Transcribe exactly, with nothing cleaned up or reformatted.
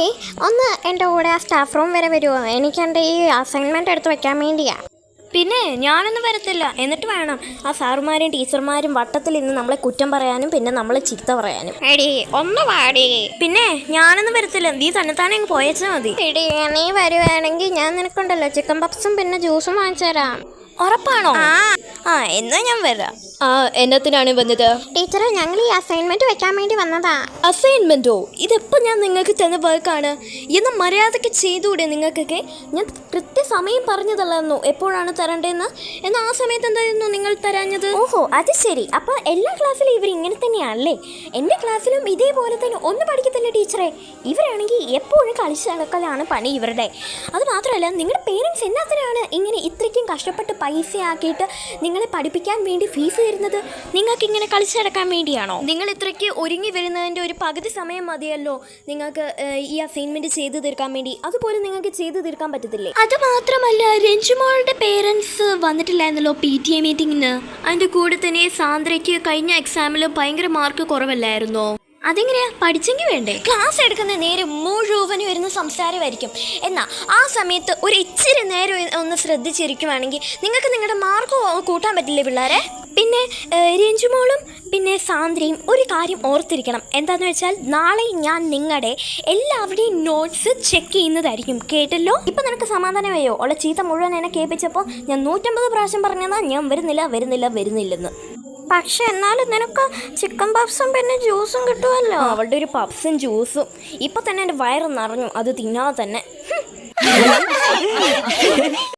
ഏയ് ഒന്ന് എൻ്റെ കൂടെ ആ സ്റ്റാഫ് റൂം വരെ വരുമോ? എനിക്ക് എൻ്റെ ഈ അസൈൻമെൻറ്റ് എടുത്ത് വെക്കാൻ വേണ്ടിയാ. പിന്നെ ഞാനൊന്നും വരത്തില്ല. എന്നിട്ട് വേണം ആ സാറുമാരും ടീച്ചർമാരും വട്ടത്തിൽ ഇന്ന് നമ്മളെ കുറ്റം പറയാനും പിന്നെ നമ്മളെ ചീത്ത പറയാനും. എടി ഒന്ന് പാടി. പിന്നെ ഞാനൊന്നും വരത്തില്ല. നീ തന്നെത്താനെ അങ്ങ് പോയച്ചാൽ മതി. എടി നീ വരുവാണെങ്കിൽ ഞാൻ നിനക്കുണ്ടല്ലോ ചിക്കൻ പപ്സും പിന്നെ ജ്യൂസും വാങ്ങിച്ചു തരാം. ഉറപ്പാണോ? ആ എന്നാ ഞാൻ വരാം. ആ എന്നത്തിനാണ് വന്നത്? ടീച്ചറെ ഞങ്ങൾ ഈ അസൈൻമെന്റ് വെക്കാൻ വേണ്ടി വന്നതാ. അസൈൻമെന്റോ? ഇതെപ്പോൾ ഞാൻ നിങ്ങൾക്ക് തന്ന വർക്കാണ്. എന്നാൽ മര്യാദയ്ക്ക് ചെയ്തുകൂടെ നിങ്ങൾക്കൊക്കെ? ഞാൻ കൃത്യസമയം പറഞ്ഞതല്ലായിരുന്നു എപ്പോഴാണ് തരേണ്ടതെന്ന്. എന്നാൽ ആ സമയത്ത് എന്തായിരുന്നു നിങ്ങൾ തരാഞ്ഞത്? ഓഹോ അത് ശരി. അപ്പോൾ എല്ലാ ക്ലാസ്സിലും ഇവർ ഇങ്ങനെ തന്നെയാണല്ലേ? എൻ്റെ ക്ലാസ്സിലും ഇതേപോലെ തന്നെ ഒന്നും പഠിക്കത്തില്ല ടീച്ചറെ. ഇവരാണെങ്കിൽ എപ്പോഴും കളിച്ച് നടക്കലാണ് പണി ഇവരുടെ. അത് മാത്രമല്ല നിങ്ങളുടെ പേരൻസ് എന്നാത്തിനാണ് ഇങ്ങനെ ഇത്രയ്ക്കും കഷ്ടപ്പെട്ട് പൈസ ആക്കിയിട്ട് നിങ്ങളെ പഠിപ്പിക്കാൻ വേണ്ടി ഫീസ് തരുന്നത്? നിങ്ങൾക്ക് ഇങ്ങനെ കളിച്ചു നടക്കാൻ വേണ്ടിയാണോ? നിങ്ങൾ ഇത്രയ്ക്ക് ഒരുങ്ങി വരുന്നതിൻ്റെ ഒരു പകുതി സമയം മതിയല്ലോ നിങ്ങൾക്ക് ഈ അസൈൻമെന്റ് ചെയ്തു തീർക്കാൻ വേണ്ടി. അതുപോലെ നിങ്ങൾക്ക് ചെയ്തു തീർക്കാൻ പറ്റത്തില്ലേ? അത് മാത്രമല്ല രഞ്ജുമോളുടെ പേരൻസ് വന്നിട്ടില്ലായിരുന്നല്ലോ പി ടി എ മീറ്റിങ്ങിന്. അതിൻ്റെ കൂടെ തന്നെ സാന്ദ്രയ്ക്ക് കഴിഞ്ഞ എക്സാമിൽ ഭയങ്കര മാർക്ക് കുറവല്ലായിരുന്നോ? അതെങ്ങനെയാ? പഠിച്ചെങ്കിൽ വേണ്ടേ? ക്ലാസ് എടുക്കുന്ന നേരം മുഴുവനും വരുന്ന സംസാരമായിരിക്കും. എന്നാൽ ആ സമയത്ത് ഒരു ഇച്ചിരി നേരം ഒന്ന് ശ്രദ്ധിച്ചിരിക്കുവാണെങ്കിൽ നിങ്ങൾക്ക് നിങ്ങളുടെ മാർക്ക് കൂട്ടാൻ പറ്റില്ലേ പിള്ളേരെ? പിന്നെ രഞ്ജുമോളും പിന്നെ സാന്ദ്രയും ഒരു കാര്യം ഓർത്തിരിക്കണം. എന്താണെന്ന് വെച്ചാൽ നാളെ ഞാൻ നിങ്ങളുടെ എല്ലാവരുടെയും നോട്ട്സ് ചെക്ക് ചെയ്യുന്നതായിരിക്കും. കേട്ടല്ലോ? ഇപ്പം നിനക്ക് സമാധാനമായോ? ഉള്ള ചീത്ത മുഴുവൻ എന്നെ കേൾപ്പിച്ചപ്പോൾ ഞാൻ നൂറ്റമ്പത് പ്രാവശ്യം പറഞ്ഞതാ ഞാൻ വരുന്നില്ല വരുന്നില്ല വരുന്നില്ലെന്ന്. പക്ഷെ എന്നാലും നിനക്ക് ചിക്കൻ പപ്സും പിന്നെ ജ്യൂസും കിട്ടുമല്ലോ. അവളുടെ ഒരു പപ്സും ജ്യൂസും ഇപ്പം തന്നെ എൻ്റെ വയറ് നിറഞ്ഞു അത് തിന്നാതെ തന്നെ.